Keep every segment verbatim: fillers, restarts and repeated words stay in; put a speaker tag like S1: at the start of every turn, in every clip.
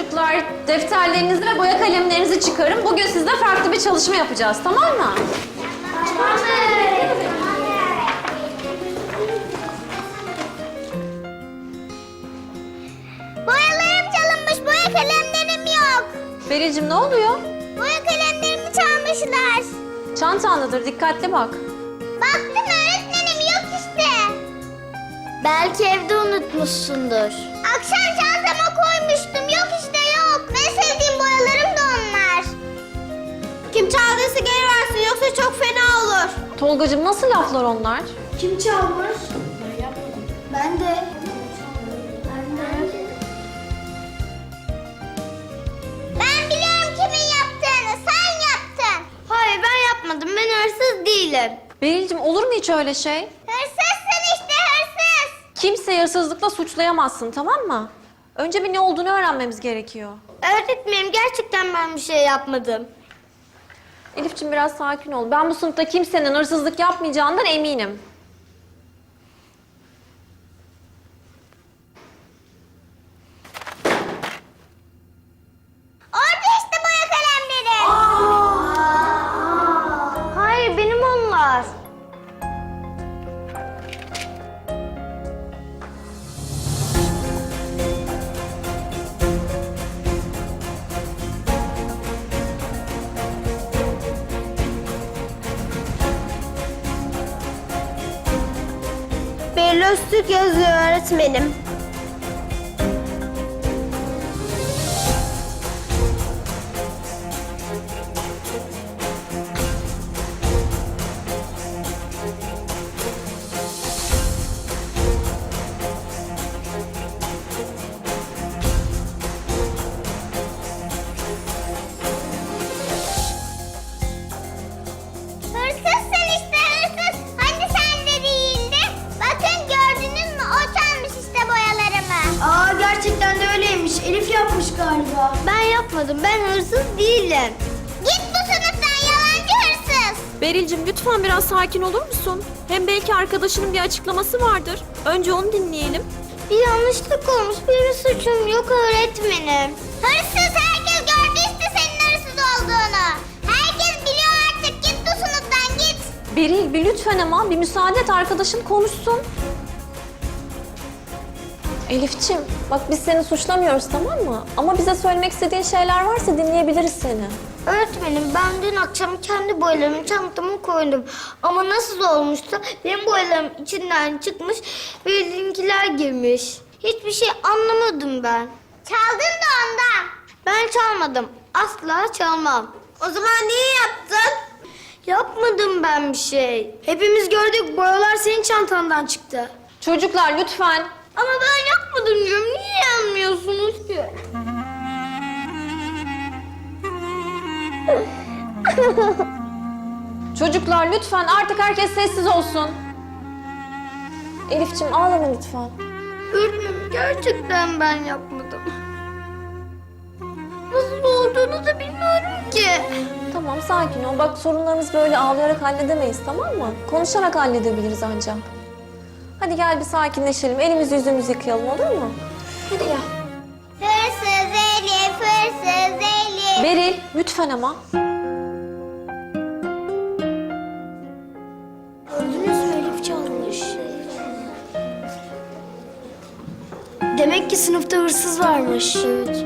S1: Çocuklar, defterlerinizi ve boya kalemlerinizi çıkarın. Bugün sizle farklı bir çalışma yapacağız, tamam mı?
S2: Tamam. Boyalarım çalınmış, boya kalemlerim yok.
S1: Beril'cim ne oluyor?
S2: Boya kalemlerimi çalmışlar.
S1: Çantandadır, dikkatli bak.
S2: Baktım öğretmenim, yok işte. Belki evde unutmuşsundur. Akşam çantama koymuştum, yok işte yok. En sevdiğim boyalarım da onlar. Kim çaldıysa geri versin, yoksa çok fena olur.
S1: Tolgacığım nasıl laflar onlar?
S2: Kim çalmış? Ben yapmadım. Ben de. Ben de. Ben biliyorum kimin yaptığını. Sen yaptın. Hayır ben yapmadım. Ben hırsız değilim.
S1: Beril'cim olur mu hiç öyle şey?
S2: Hırsızsın işte hırsız.
S1: Kimseyi hırsızlıkla suçlayamazsın, tamam mı? Önce bir ne olduğunu öğrenmemiz gerekiyor.
S2: Öğretmenim gerçekten ben bir şey yapmadım.
S1: Elif'ciğim biraz sakin ol. Ben bu sınıfta kimsenin hırsızlık yapmayacağından eminim.
S2: Orada işte boya kalemleri. Hayır benim onlar. Beril Öztürk yazıyor öğretmenim. Hırsızsın işte hırsız. Hani sen de değildi. Bakın gördünüz mü? O çalmış işte boyalarımı.
S3: Aa gerçekten de öyleymiş. Elif yapmış galiba.
S2: Ben yapmadım. Ben hırsız değilim. Git bu sınıftan yalancı hırsız.
S1: Beril'cim lütfen biraz sakin olur musun? Hem belki arkadaşının bir açıklaması vardır. Önce onu dinleyelim.
S2: Bir yanlışlık olmuş. Benim suçum yok öğretmenim. Hırsız herkes gördü işte senin hırsız olduğunu. Herkes biliyor artık. Git bu sınıftan git.
S1: Beril bir lütfen ama bir müsaade et, arkadaşın konuşsun. Elif'ciğim bak biz seni suçlamıyoruz, tamam mı? Ama bize söylemek istediğin şeyler varsa dinleyebiliriz seni.
S2: Öğretmenim ben dün akşam kendi boyalarımı çantama koydum. Ama nasıl olmuştu? Benim boyalarım içinden çıkmış ve bizimkiler girmiş. Hiçbir şey anlamadım ben. Çaldın da ondan. Ben çalmadım. Asla çalmam. O zaman niye yaptın? Yapmadım ben bir şey.
S3: Hepimiz gördük, boyalar senin çantandan çıktı.
S1: Çocuklar lütfen.
S2: Ama ben yapmadım diyorum. Niye yanmıyorsunuz ki?
S1: Çocuklar lütfen artık herkes sessiz olsun. Elif'ciğim ağlama lütfen.
S2: Öğretmenim gerçekten ben yapmadım. Nasıl olduğunu da bilmiyorum ki.
S1: Tamam sakin ol. Bak sorunlarımızı böyle ağlayarak halledemeyiz, tamam mı? Konuşarak halledebiliriz ancak. Hadi gel bir sakinleşelim. Elimizi yüzümüzü yıkayalım, olur mu? Hadi gel.
S2: Hırsız Elif, hırsız Elif.
S1: Beril lütfen ama.
S3: Gördünüz mü, Elif çalmış. Demek ki sınıfta hırsız varmış. Evet.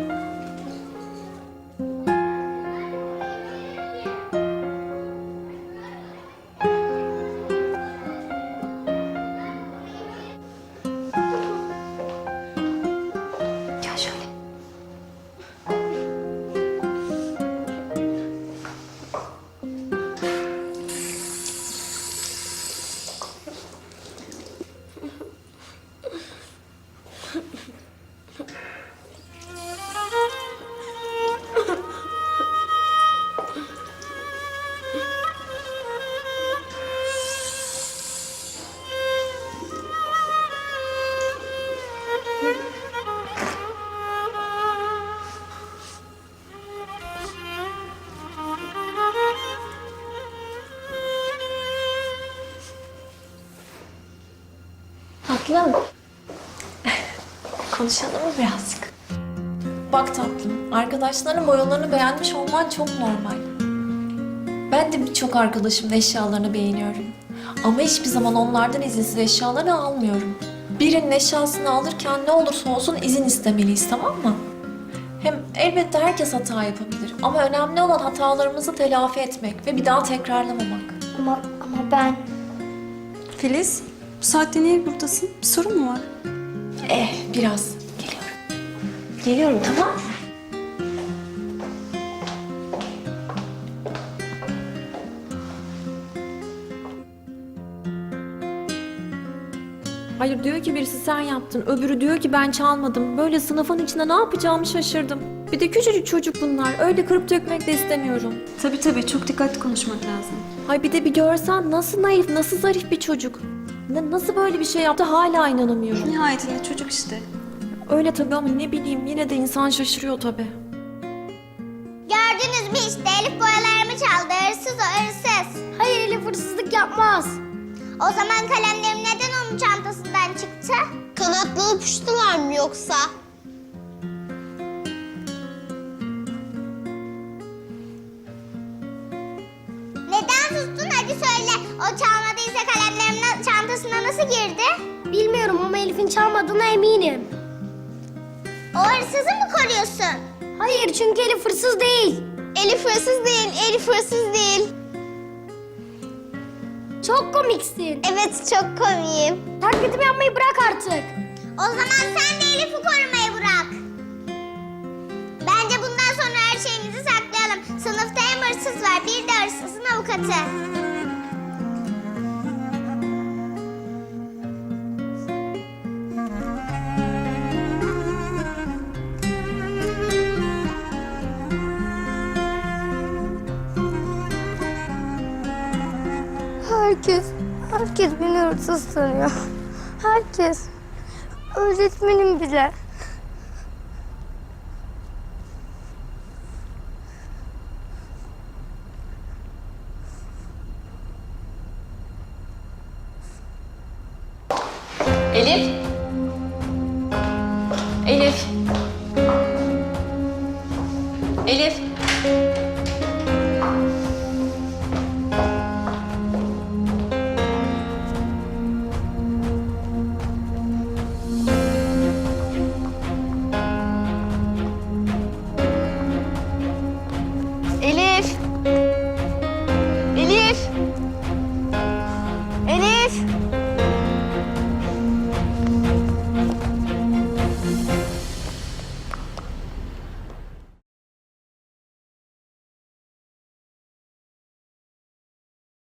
S1: Gel şöyle. Tatlım. Konuşalım mı birazcık? Bak tatlım, arkadaşların boyalarını beğenmiş olman çok normal. Ben de birçok arkadaşımın eşyalarını beğeniyorum. Ama hiçbir zaman onlardan izinsiz eşyalarını almıyorum. Birinin eşyasını alırken ne olursa olsun izin istemeliyiz, tamam mı? Hem elbette herkes hata yapabilir. Ama önemli olan hatalarımızı telafi etmek ve bir daha tekrarlamamak.
S2: Ama, ama ben...
S4: Filiz, bu saatte niye buradasın? Bir sorun mu var?
S1: Eh, biraz. Geliyorum. Geliyorum, tamam. Hayır, diyor ki birisi sen yaptın, öbürü diyor ki ben çalmadım. Böyle sınıfın içinde ne yapacağımı şaşırdım. Bir de küçücük çocuk bunlar. Öyle kırıp dökmek de istemiyorum.
S4: Tabii tabii, çok dikkatli konuşmak lazım.
S1: Hay bir de bir görsen nasıl naif, nasıl zarif bir çocuk. Na- nasıl böyle bir şey yaptı hala inanamıyorum.
S4: Nihayetinde çocuk işte.
S1: Öyle tabii ama ne bileyim yine de insan şaşırıyor tabii.
S2: Gördünüz mü işte Elif boyalarımı çaldı. Hırsız o hırsız. Hayır Elif hırsızlık yapmaz. O zaman kalemlerim neden onun çantasından çıktı?
S5: Kanatlı uçtular mı yoksa?
S2: Neden sustun? Hadi söyle. O çalmadıysa kalemlerimin çantasına nasıl girdi? Bilmiyorum ama Elif'in çalmadığına eminim. O hırsızı mı koruyorsun? Hayır çünkü Elif hırsız değil.
S5: Elif hırsız değil, Elif hırsız değil.
S2: Çok komiksin.
S5: Evet, çok komiyim.
S2: Taklitimi yapmayı bırak artık. O zaman sen de Elif'i korumayı bırak. Bence bundan sonra her şeyimizi saklayalım. Sınıfta hem hırsız var, bir de hırsızın avukatı. Herkes, herkes beni hırsız sanıyor. Herkes. Öğretmenim bile.
S1: Elif. Elif. Elif.